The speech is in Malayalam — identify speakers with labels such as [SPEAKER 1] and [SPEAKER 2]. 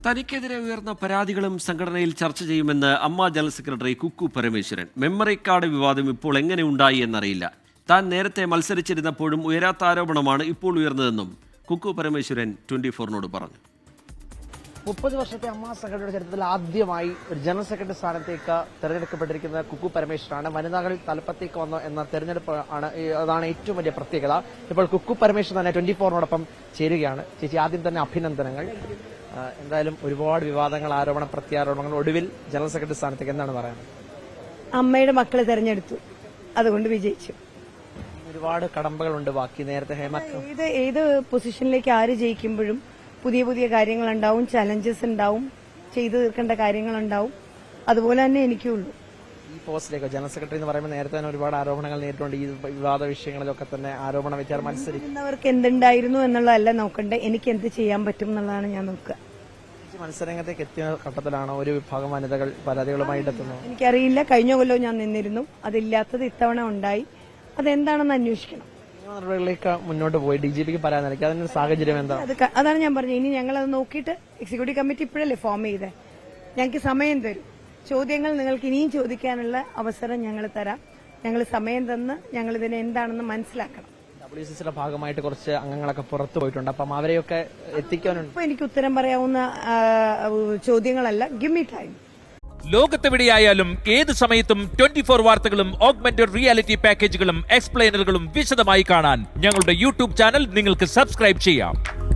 [SPEAKER 1] തനിക്കെതിരെ ഉയർന്ന പരാതികളും സംഘടനയിൽ ചർച്ച ചെയ്യുമെന്ന് AMMA general secretary Kukku Parameswaran. Memory card വിവാദം ഇപ്പോൾ എങ്ങനെ ഉണ്ടായി എന്നറിയില്ല. താൻ നേരത്തെ മത്സരിച്ചിരുന്നപ്പോഴും ഉയരാത്ത ആരോപണമാണ് ഇപ്പോൾ ഉയർന്നതെന്നും കുക്കു പരമേശ്വരൻ 24-നോട് പറഞ്ഞു.
[SPEAKER 2] 30 വർഷത്തെ അമ്മ സംഘടനയുടെ ചരിത്രത്തിൽ ആദ്യമായി ഒരു ജനറൽ സെക്രട്ടറി സ്ഥാനത്തേക്ക് തെരഞ്ഞെടുക്കപ്പെട്ടിരിക്കുന്ന കുക്കു പരമേശ്വരാണ്. വനിതകൾ തലപ്പത്തേക്ക് വന്നു എന്ന തെരഞ്ഞെടുപ്പ് അതാണ് ഏറ്റവും വലിയ പ്രത്യേകത. ഇപ്പോൾ കുക്കു പരമേശ്വരൻ തന്നെ 24-നോടൊപ്പം ചേരുകയാണ്. ചേച്ചി, ആദ്യം തന്നെ അഭിനന്ദനങ്ങൾ. എന്തായാലും ഒരുപാട് വിവാദങ്ങൾ, ആരോപണ പ്രത്യാരോപണങ്ങൾ, ഒടുവിൽ ജനറൽ സെക്രട്ടറി സ്ഥാനത്തേക്ക് എന്താണ് പറയുന്നത്?
[SPEAKER 3] അമ്മയുടെ മക്കളെ തെരഞ്ഞെടുത്തു, അതുകൊണ്ട് വിജയിച്ചു.
[SPEAKER 2] ഒരുപാട് കടമ്പകളുണ്ട് ബാക്കി. നേരത്തെ
[SPEAKER 3] ഏത് പൊസിഷനിലേക്ക് ആര് ജയിക്കുമ്പോഴും പുതിയ പുതിയ കാര്യങ്ങളുണ്ടാവും, ചലഞ്ചസ് ഉണ്ടാവും, ചെയ്തു തീർക്കേണ്ട കാര്യങ്ങളുണ്ടാവും. അതുപോലെ തന്നെ എനിക്കുള്ളൂ.
[SPEAKER 2] ഈ പോസ്റ്റിലേക്ക് ജനറൽ സെക്രട്ടറി എന്ന് പറയുമ്പോൾ നേരത്തെ തന്നെ ഒരുപാട് ആരോപണങ്ങൾ നേരിട്ടുണ്ട്. ഈ വിവാദ വിഷയങ്ങളിലൊക്കെ തന്നെ ആരോപണ വിചാരം
[SPEAKER 3] മത്സരിക്കുന്നവർക്ക് എന്തുണ്ടായിരുന്നു എന്നുള്ളതല്ല നോക്കണ്ടേ, എനിക്ക് എന്ത് ചെയ്യാൻ പറ്റും എന്നുള്ളതാണ് ഞാൻ നോക്കുക.
[SPEAKER 2] മത്സരരംഗത്തേക്ക് എത്തിയ ഘട്ടത്തിലാണ് ഒരു വിഭാഗം വനിതകൾ പരാതികളുമായി എത്തുന്നത്.
[SPEAKER 3] എനിക്കറിയില്ല, കഴിഞ്ഞ കൊല്ലവും ഞാൻ നിന്നിരുന്നു. അതില്ലാത്തത് ഇത്തവണ ഉണ്ടായി. അതെന്താണെന്ന് അന്വേഷിക്കണം.
[SPEAKER 2] നടപടികളിലേക്ക് മുന്നോട്ട് പോയി DGPക്ക് പറയാൻ നൽകി. അതിന്റെ സാഹചര്യം എന്താ?
[SPEAKER 3] അതാണ് ഞാൻ പറഞ്ഞത്. ഇനി ഞങ്ങൾ അത് നോക്കിയിട്ട് എക്സിക്യൂട്ടീവ് കമ്മിറ്റി ഇപ്പോഴല്ലേ ഫോം ചെയ്തേ, ഞങ്ങൾക്ക് സമയം തരും. ചോദ്യങ്ങൾ നിങ്ങൾക്ക് ഇനിയും ചോദിക്കാനുള്ള അവസരം ഞങ്ങൾ തരാം. ഞങ്ങൾ സമയം തന്ന് ഞങ്ങൾ ഇതിനെ എന്താണെന്ന് മനസ്സിലാക്കണം.
[SPEAKER 2] WCCയുടെ ഭാഗമായിട്ട് കുറച്ച് അംഗങ്ങളൊക്കെ പുറത്തു പോയിട്ടുണ്ട്. അപ്പം അവരെയൊക്കെ എത്തിക്കാനുണ്ട്.
[SPEAKER 3] ഇപ്പൊ എനിക്ക് ഉത്തരം പറയാവുന്ന ചോദ്യങ്ങളല്ല. Give me time.
[SPEAKER 4] ലോകത്തെവിടെയായാലും ഏത് സമയത്തും 24 വാർത്തകളും ഓഗ്മെന്റഡ് റിയാലിറ്റി പാക്കേജുകളും എക്സ്പ്ലെയിനറുകളും വിശദമായി കാണാൻ ഞങ്ങളുടെ YouTube ചാനൽ നിങ്ങൾക്ക് സബ്സ്ക്രൈബ് ചെയ്യാം.